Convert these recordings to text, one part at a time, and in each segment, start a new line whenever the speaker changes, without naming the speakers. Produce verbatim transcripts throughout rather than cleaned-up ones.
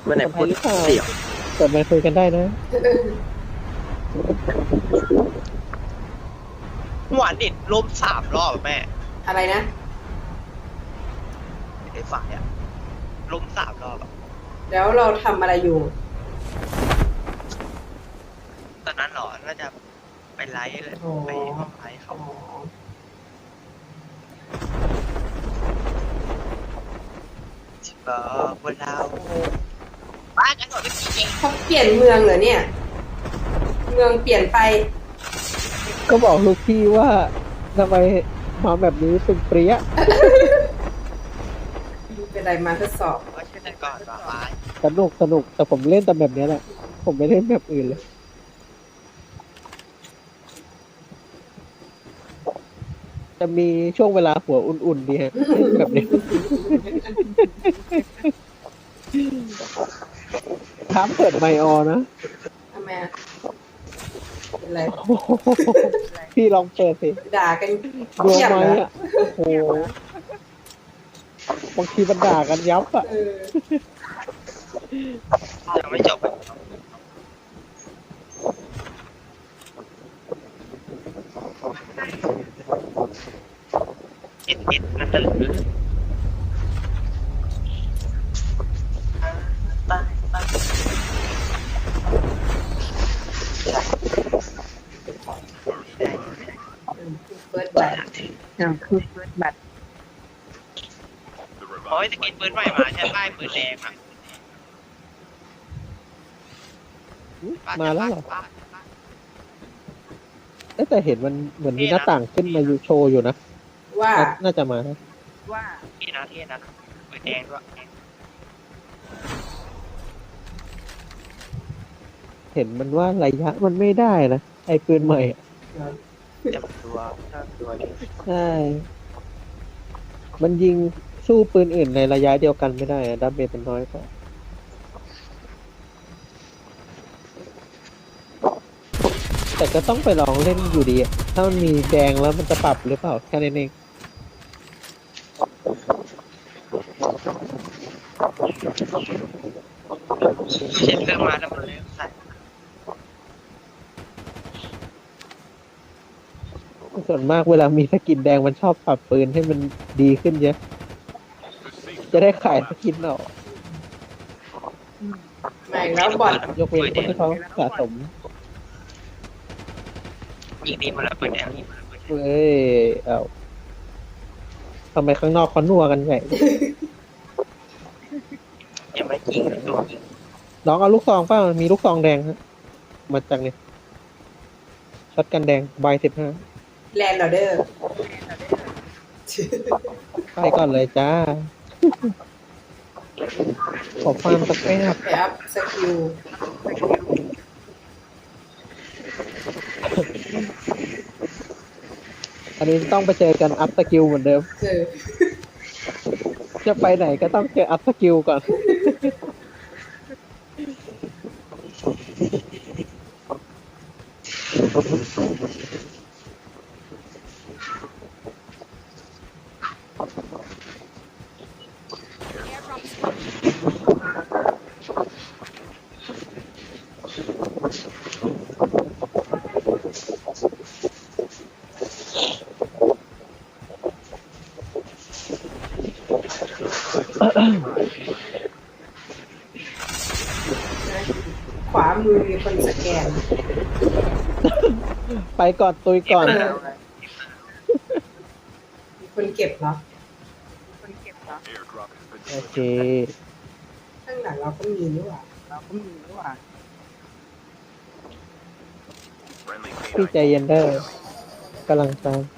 มื่อไหร่พูดเสียง
เปิดไมค์คุยกันได้นะ
หวานเด็ดล้มสามรอบแม่
อะไรนะ
ไอ้ฝ่ายอะล้มสามรอบอะ
แล้วเราทำอะไรอยู่
ตอนนั้นหรอน่าจะไปไลฟ์เลยไปห้องไลฟ์เขาชิบะบนเราบ้านกันหมดไม่จริง
เขาเปลี่ยนเมืองเหรอเนี่ย เมืองเปลี่ยนไป
ก็บอกลูกพี่ว่าทำไมมาแบบนี้ตึงเปรี้ย
เป็นไรมาทดสอบ
ว่าเช่นนั้นก่อนว่าไลฟ์
สนุกสนุกแต่ผมเล่นแต่แบบนี้แหละผมไม่เล่นแบบอื่นเลยจะมีช่วงเวลาหัวอุ่นๆดีฮะแบบนี้ท้ามเปิดไมค์ออนะ
ทำไมอะเป็นไร
พี่ลองเปิดสิ
ด่ากัน
ดวง
เงียบ
ไหม
เหรอ
อ่ะโอ้โหบางทีมันด่ากันยับอ่ะ
เออ
ยังไม่จบเอ็ดเอ็ดนั่นเลยตายตาย
เปิดบัตร
อ่าคือเปิดบัตร
โอ้ยสกินปืนใหม่มาใช่ป้ายปืนแดงอ่ะ
มาแล้วเหรอแต่เห็นมันเหมือนมีหน้าต่างขึ้นมาอยู่โชว์อยู่นะ
ว่า
น่าจะมานะ
ว่าเท่นะเท่นะปืนแดงด้วย
เห็นมันว่าระยะมันไม่ได้นะไอ้ปืนใหม่
จับตัวตัวนี้
ใช่มันยิงสู้ปืนอื่นในระยะเดียวกันไม่ได้อะดาเมจมันน้อยกว่าแต่ก็ต้องไปลองเล่นอยู่ดีถ้ามันมีแดงแล้วมันจะปรับหรือเปล่าแค่นั้นเอง
เช็ดเครื่องมาแล้วมันเลยใส่
ส่วนมากเวลามีสกินแดงมันชอบปรับปืนให้มันดีขึ้นเยอะจะได้ขายสกินออก
ใหม่แล้วบอล
ยกเว้นคนที่เขาสะสม
ยิงดีมาแล้วปืนแดง
เฮ้ยเอาทำไมข้างนอกเขานัวกันใหญ่
ยังไม่ยิงตัวยิง
น้องเอาลูกซองเปล่ามีลูกซองแดงฮะมาจากนี่ช็อตกันแดงใบสิบห้า
แลนด์ออเดอร์
ไปก่อนเลยจ้าขอความสักแป๊บ
ไปอัพสกิล
อันนี้ต้องไปเจอกันอัพสกิลเหมือนเดิม
เออ
จะไปไหนก็ต้องเจออัพสกิลก่อน
ขวามือมีคนสแกน
ไปก่อนตุยก่อน
มีคนเก็บเหรอ
โอเค
ข้างหลังเราก็มีนี่หว่า
เราก็มีด้วยว่า
พี่ใจเย็นเด้อกำลังตาม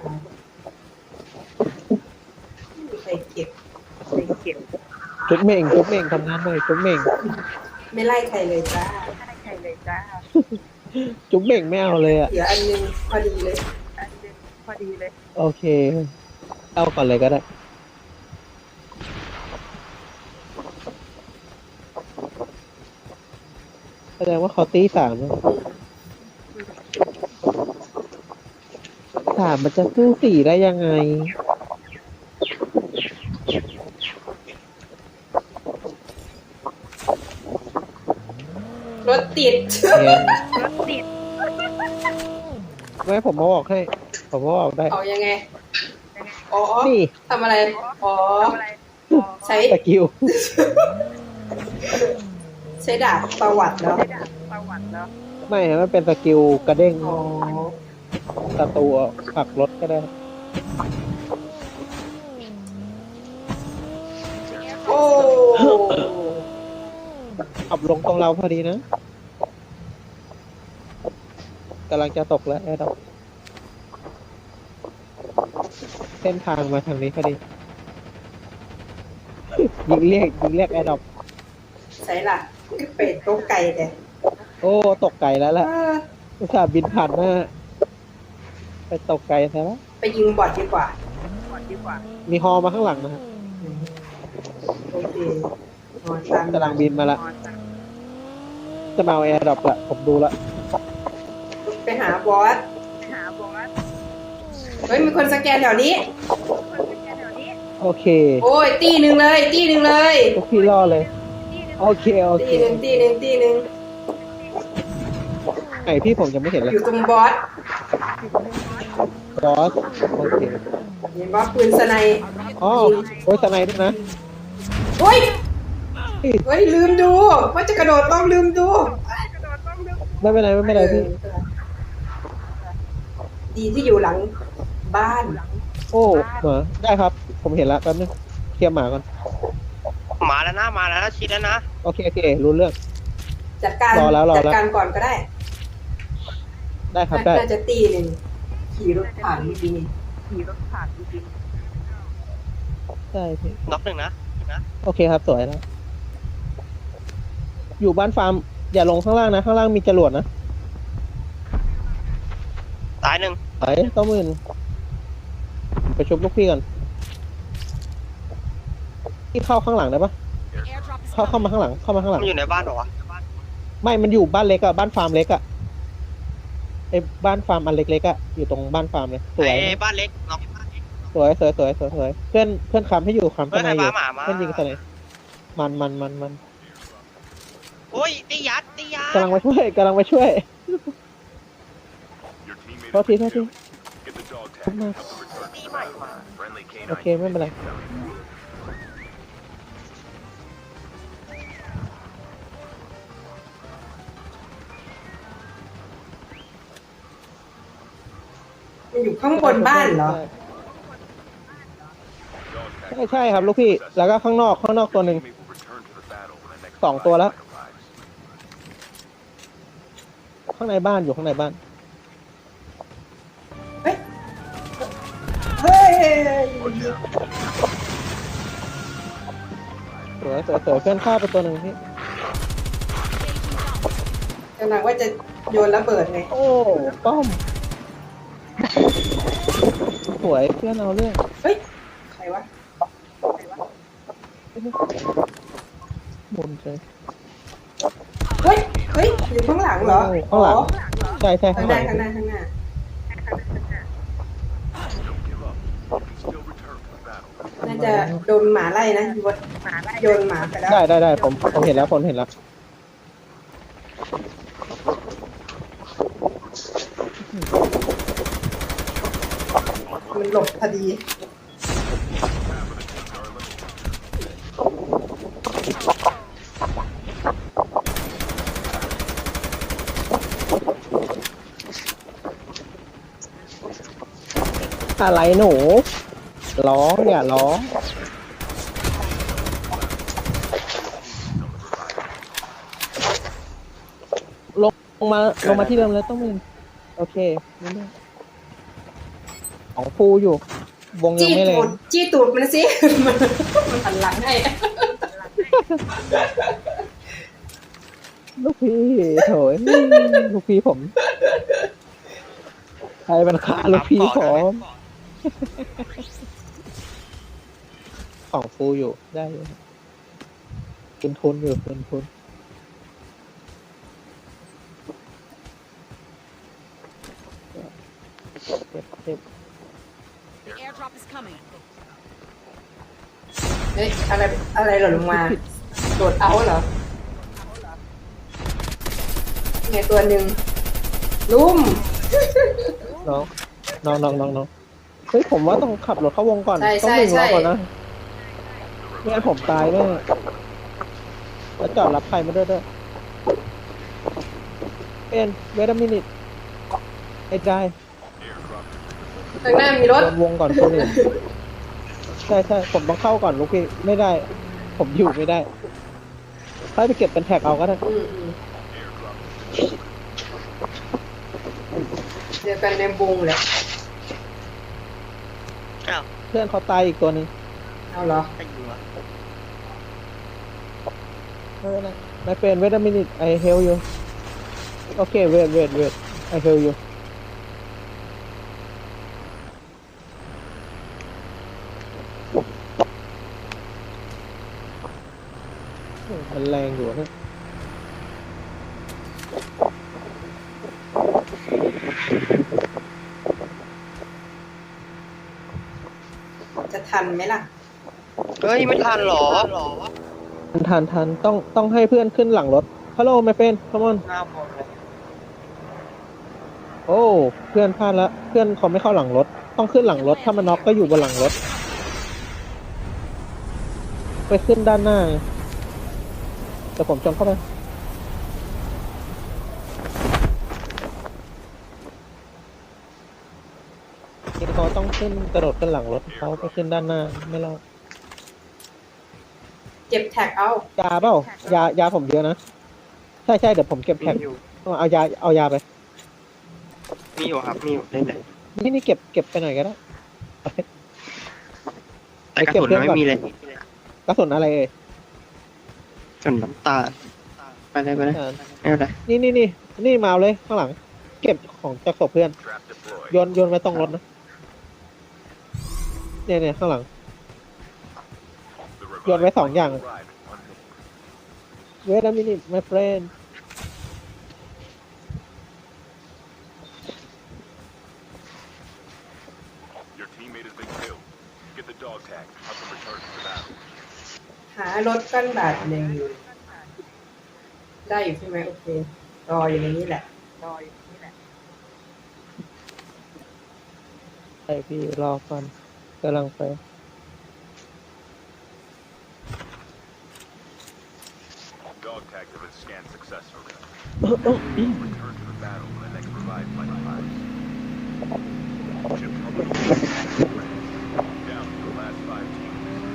ไม่มีใครเก็บ
ไปเก็บ
จุ๊บเม่งจุ๊บเม่งทำงานหน่อยจุ๊บเม่ง
ไม่ไล่ใครเลยจ้า
ไม่ใครเลยจ้า
จุ๊บเม่งไม่เอาเลยอ่ะ
เดี๋ยวอันนึงพอดีเลย
อันเด่นพอดีเลย
โอเคเอาก่อนเลยก็ได้แสดงว่าเขาตีสามแล้วสามมันจะสู้สี่ได้ยังไง
เติด
เนี่ย
รถติด
ไม่ผมมาบอกให้ ผมมาบอกได้
เอายังไง
ยังไง
อ๋อ
นี่
ทำอะไร อ๋อ
ทำอะไรอ๋อ
ใช้
สกิล
ใช้ดาบประวัติเนาะ
ใช้ดาบประวัติแล้ว
ไม่มันเป็นสกิลกระเด้ง
อ๋อ
ศัตรูผลักรถก็ได้
โอ้
ขับลงตรงเราพอดีนะกำลังจะตกแล้วแอร์ดอกเส้นทางมาทางนี้พอดี ยิงเรียกยิงเรียกแอร์ดอก
ใช่ล่ะเป็ดตัวไก่แต่
โอ้ตกไกลแล้วล่ะ
เออ
อุตส่าห์บินผ่านหน้าไปตกไกลซะแล้ว
ไปยิงบอดดีกว่า
ก่อนดีกว่า
มีฮอมาข้างหลังนะฮะ
โอเคนอนตาม
กำลังบินมาละ
นอนจ้ะ
จะมาเอาแอร์ดรอปละผมดูละ
ไปหาบอส
ไปหาบอส
เฮ้ย มีคนสแกนแถวนี้
คนเป็นแค่แถวนี้
โอเค
โอ้ย ตีหนึ่งเลย ตีหนึ่งเลย
พวกพี่รอเลย
ที่หนึ่ง
โอเคโอเค
ตีหนึ่งตีหนึ่งตีหนึ่ง
ไอพี่ผมยังไม่เห็นเลย
อยู่ตรงบอส
บอสโอเค
เห็นว่าปืนสไนป์
อ๋อโอ้ยสไนด์ด้วยนะ
เฮ้ย เฮ้ย ลืมดูว่าจะกระโดดต้องลืมดู
กระโดดต้องดึง
ไม่เป็นไรไม่เป็นไรพี่
ดีที่อยู่หลังบ้าน
โอ้หมาได้ครับ ผมเห็นละแป๊บนึงเคลียร์หมาก่อน
มาแล้วนะมาแล้วนะชิดแล้วนะ
โอเคโอเครู้เรื่อง
จัดการ
รอแล้วรอแล้ว
จัดการก่อนก็ได้
ได้ครับได้
น่าจะตีหนึ่งขี่รถผ่านเมื่อกี้นี่
ขี่รถผ่านจริง
ได้พี่
น็อกหนึ่งนะนะ
โอเคครับสวยแล้ว อยู่บ้านฟาร์มอย่าลงข้างล่างนะ ข้างล่างมีจรวดนะ
ตายหนึ่ง
ไปต้องมื่นไปชุบลูกพี่ก่อนพี่เข้าข้างหลังได้ปะเข้าเข้ามาข้างหลังเข้ามาข้างหลัง
มันอยู่ในบ้านเหรอวะ
ไม่มันอยู่บ้านเล็กอะบ้านฟาร์มเล็กอะไอ้บ้านฟาร์มอันเล็กๆอะอยู่ตรงบ้านฟาร์มเลยสวย
ไอ้บ้านเล็กน็อกบ้านเล็ก
สวยสวยสวยสวยสวยเพื่อนเพื่อนคำให้อยู่คำ
เพื่
ข้า
อน
งใน
ไอ้
อ
บ้า
ยู่
หมามา
เพื่อนยิงสไนมันมันมันมัน
โอ้ยตียัดตียัด
กำลังมาช่วยกำลังมาช่วย โทษทีโทษที ขึ้นมา
ตีใหม่มา
โอเคไม่เป็นไร
มันอยู่ข้างบนบ้านเหรอ
ใช่ใช่ครับลูกพี่แล้วก็ข้างนอกข้างนอกตัวหนึ่งสองตัวแล้ว ข้างในบ้านอยู่ข้างในบ้าน
เฮ้ย เฮ้ย
สวยสวยสวยเพื่อนฆ่าไปตัวหนึ่งพี่
กำลังว่าจะโยนระเบิดไง
โอ้ป้อมสวยเพื่อนเอาเรื่อง
เฮ้ย ใครวะ
หมุนเลย
เฮ้ย เฮ้ย อยู่ข้างหลังเหรอ
ข้างหลัง
อ๋อ
ใช่ใช่
ข้า
ข้าง ง
ห
หลั
น้าง ข้างหน้าข้างหน้า น่าจะโดนหมาไล่นะโยน
หมาไล่
โยนหมาไปแล้ว
ได้ได้ได้ผมผมเห็นแล้วผมเห็นแล้ว
มันหลบพอดี
อะไรหนูร้องอย่าร้องลงลงมาลงมาที่เดิมแล้วต้องมึงโอเคนี่ด้วยของฟูอยู่ วงยัง
จี้
ไม่แร
ตู
ง
ดจี้ตูดมันสิ มันมันหันหลังให้
ลูกพี่โถยลูกพี่ผมใครมันฆ่าลูกพี่ผมของฟูอยู่ได้อยู่ทุนทุนอยู่ทุนทุนเจ็บเจ็บ
The airdrop is coming.
เฮ้ย อะไร อะไรหล่นลงมา โดดเอาเหรอไงตัวหนึ่งลุ่ม
น้องน้องน้องน้องน้องเฮ้ยผมว่าต้องขับรถเข้าวงก่อน
ใช่
ต้อง
ใช่
หนึ่งรอบ
ใช่
ก่อนนะไม่งั้นผมตายแน่แล้วจอดรับใครมาด้วยด้วยเป็นเวทมินิตไอ้ใจ
ข้างหน้ามีรถ
โดนวงก่อนคนอื่นใช่ใช่ผมต้องเข้าก่อนลูกพี่ไม่ได้ ผมอยู่ไม่ได้ค่อยไปเก็บเป็นแท็กเอาก็ได้
อืมอืมเจอกันในวงแหละ
อ้าว
เพื่อนเขาตายอีกตัวหนึ่ง
เอาเหรอ
ใครอยู่วะ
ไม่เป็นไรไม่เป็นเวทมินิตไอเฮลอยู่โอเคเวทเวทเวทไอเฮลอยู่มันแรงอยู่นะ
จะทันไหมล่ะ
เฮ้ยไม่ทันหรอ
ทันทันทันต้องต้องให้เพื่อนขึ้นหลังรถฮัลโหลไม่เป็นคอมอน
หน้าหมดเลย
โอ้เพื่อนพลาดละเพื่อนเขาไม่เข้าหลังรถ ต้องขึ้นหลังรถถ้ามันน็อกก็อยู่บนหลังรถ ไปขึ้นด้านหน้าแต่ผมจงเข้าไปนี่เขาต้องขึ้นกระโดดขึ้นหลังรถเขาไปขึ้นด้านหน้าไม่รอด
เก็บแท็กเอา
ยาเปล่ายายาผมเยอะนะใช่ใช่เดี๋ยวผมเก็บ
มี
แท็ก
อยู่
เอายาเอายาไป
มีอยู่ครับมีอยู่เล่นเลย
นี่นี่เก็บเก็บไปหน่อยก็ได้
แต่กระสุนยังไม่มีเลย
กระสุนอะไรเอ่ย
กระสุนน้ำตาลไปเลยไปเลย
อ่า
ไม่เป็นไร
นี่นี่นี่นี่มาเอาเลยข้างหลัง เก็บของจากศพเพื่อน โยนโยนไว้ตรงรถนะเนี่ยเนี่ยข้างหลัง โยนไว้สองอย่าง Wait a minute my friend
Your teammate has been killed. Get the dog tag. Help them return to the battle.
หารถกันบาดหนึ่งอยู่ได้อยู่ใช่ไหมโอเครออยู่ในนี้แหละ
รออยู่นี่แหละ
ใช่พี่รอก่อนกำลังไป
Dog tags have been scanned successfully. Return to the battle and they can provide final lives. Chip down to the last five teams.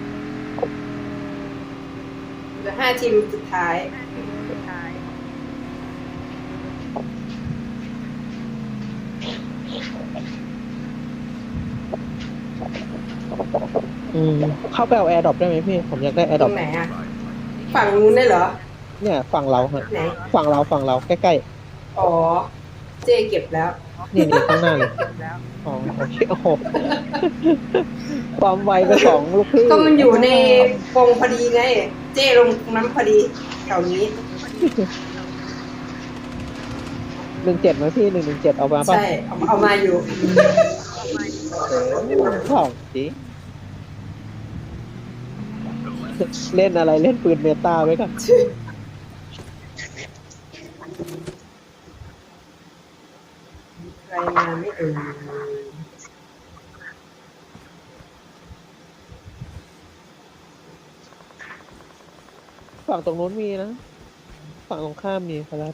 เหลือห้าทีมสุดท้าย
สุดท้าย
อืมเข้าไปเอาแอร์ดรอปได้ไหมพี่ ผมอยากได้แอร์ด
ต
ร
ร
อป
งไหนอ่ะ ฝั่งนู้นได้เหรอ
เนี่ยฝั่งเราฮะ
ไหน
ฝั่งเราฝั่งเราใกล้
อ๋อ เจ๊เก็บแล้ว
ๆนี่นี่ข้างหน้าเลย
แล้ว
อ๋อโอเคโอ้โหความไวไปสองลูกพี่
ก็มันอยู่ในวงพอดีไง เจ๊ลงตรงนั้นพอดีแถวนี้
หนึ่งเจ็ดไหมพี่หนึ่งหนึ่งเจ็ดเอามาป่ะ
ใช่ เอาเอามาอยู่
เออของจริงเล่นอะไรเล่นปืนเมตาไว้ก่อน
ใครมาไม่เอ่ย
ฝั่งตรงนู้นมีนะ ฝั่งตรงข้ามมีครับ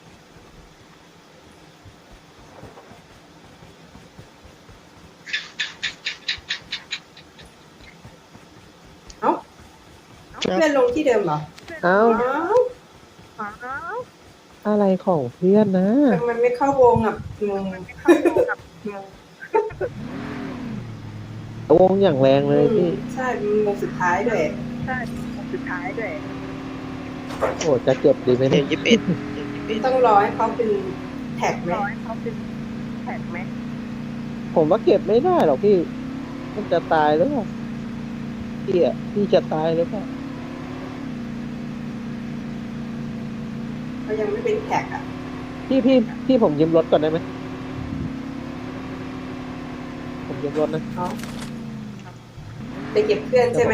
เอ้าเพื่อนลงที่เดิมเหรอ
เอ้า
อ้าว
อ้าว
อะไรของเพื่อนนะ
ทำไมไม่เข้าวงอ่ะงง
เข้าดูกับงง
วงอย่างแรงเลยพี่
ใช่มันวงสุดท้ายด้วย
ใช่สุดท้ายด้วย
โอ้จะเก็บดีไหม
เจ็
เนี่
ด
ย
ยี่สิบเอ็ดเจ็ดยี่สิบเอ็ด
ต้องรอให้เขาเป็นแท็กไหม
รอให้เขาเป็นแท็กไหม
ผมว่าเก็บไม่ได้หรอกพี่ มันจะตายหรือเปล่าพี่อ่ะพี่จะตายหรือเปล่า
เขายังไม่เป็นแท็กอ่ะ
พี่พี่พี่ผมยืมรถก่อนได้ไหมผมยืมรถนะ
เขาไปเก็บเพื่อนใช่ไหม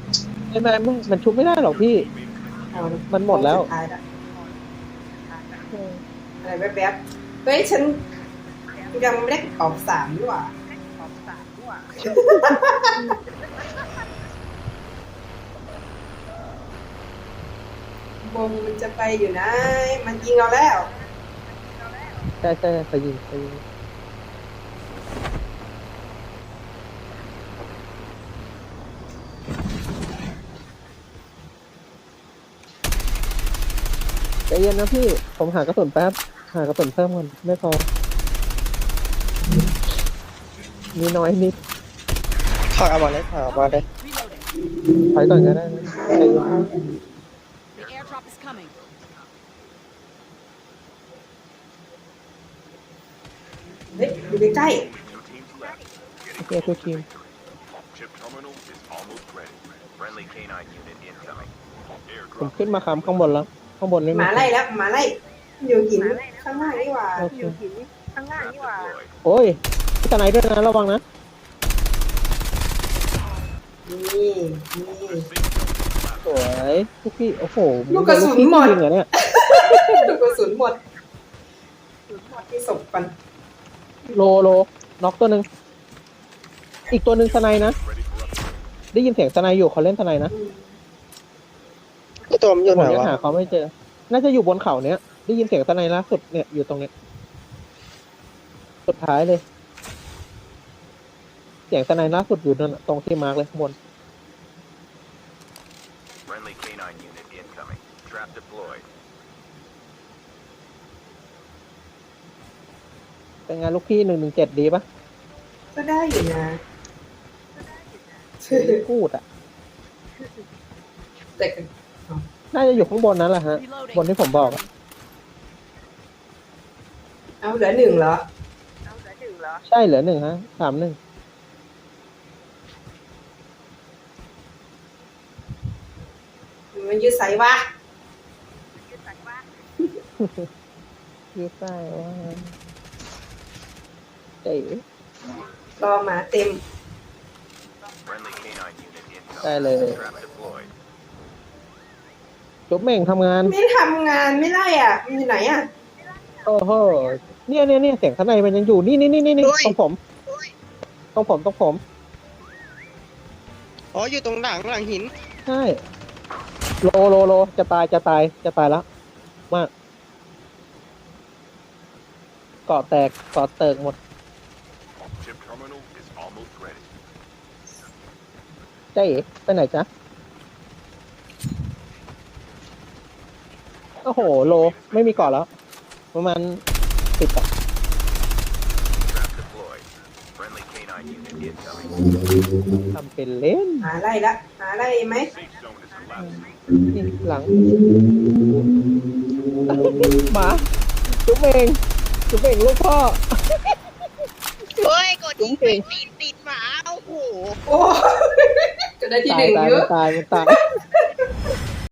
ไม่ไม่ไม่มันชุบไม่ได้หรอกพี่
เอา
มันหมดแล้ว
งสุดท้ายละอะไรแวบๆเฮ้ยฉันยังไม่ได้ออกสามด้วยว่ะ
ออกสามด้วย
วงมันจะไปอยู่นะ มันยิงเราแล้ว
ใช่ใช่ไปยิงไปยิงใจเย็นนะพี่ ผมหากระสุนแป๊บ หากระสุนเพิ่มก่อนไม่พอ มีน้อยนิด
ถอยเอาบอลเลยถอยเอาบอลเลย
Reloading.
ถอยก่อนก็ได้นะใจเย็น
The airdrop is coming.
เฮ้ยอยู่ใกล้
Two teams left.
โอเคทุกทีม
Chip terminal is almost ready. Friendly canine unit incoming.
ผม
Airdrop.
ขึ้นมาค้ำข้างบนแล้ว ข้างบนนี่
ๆหมาไล่แล้วหมาไล่อยู่หินข้างล่างนี่หว่า
โอเค
อยู่หินข้างล่าง
Trap
นี่หว่า
deployed.
โอ้ยพี่ตะไนด้วยนะระวังนะ
นี่นี่
สวยทุกพี่ โอ้โห
ลูกกระสุนหมด
จริงเหรอเนี่ย
ลูกกระสุนหมดที่ศพกัน
โลโลน็อกตัวหนึ่งอีกตัวหนึ่งสไนนะ
Ready for upgrade.
ได้ยินเสียงสไนอยู่เขาเล่นสไนนะ
อืม
ตัวมันอยู่
ผ
ไหน
มยัง
วะ
หาเขาไม่เจอ น่าจะอยู่บนเขาเนี้ย ได้ยินเสียงสไนล่าสุดเนี่ยอยู่ตรงเนี้ย สุดท้ายเลย เสียงสไนล่าสุดอยู่นั่นน่ะตรงที่มาร์กเลยข้างบน
Friendly canine unit incoming. Trap deployed.
เป็นไงลูกพี่หนึ่งหนึ่งเจ็ดดีปะ
ก็ได้อยู่นะ
พูดอ่ะ
แต่ก็
น่าจะอยู่ข้างบนนั้นแหละฮะ
Reloading.
บนที่ผมบอกอะ
เอาเหลือหนึ่งเหรอ
เอาเหลือหนึ่งเหรอ
ใช่เหลือหนึ่งฮะสามหนึ่ง
มันยืดสายวะ
ยืดสายว่า
ยืดใต้ว่าเจ๋ย
รอหมาเต็ม
Friendly canine unit incoming.
ได้เลย
Trap deployed.
จุ๊บเม่งทำงาน
ไม่ทำงานไม่ไล่อ่ะ มันอยู่ไหนอ่ะ
โอ้โหเนี่ยเนี่ยเนี่ยเสียงข้างในมันยังอยู่ นี่นี่นี่นี่นี่ตรงผม ตรงผมตรงผม
อ๋ออยู่ตรงหลังหลังหิน
ใช่ โลโลโลจะตายจะตายจะตายแล้ว มาก เกาะแตกเกาะเติกหมด
Chip terminal is almost ready.
เจ๊ไปไหนจ๊ะ โอ้โห โลไม่มีเกาะแล้ว ประมาณสิบอะ
Trap deployed. Friendly canine unit incoming.
ทำเป็นเล่น
หาไล่ละหาไล่ไหม
Safe zone is collapsing.
นี่หลัง หมาจุ๊บเองจุ๊บเองลูกพ่อ
เฮ้ยกดยิง
จุ๊บเอง
ติดติดหมาโอ้โห
โอ้ จะได้ที่
ตา
ห
ย
นึ่ง
ตาย
เย
มั
อะ
นตายมันตาย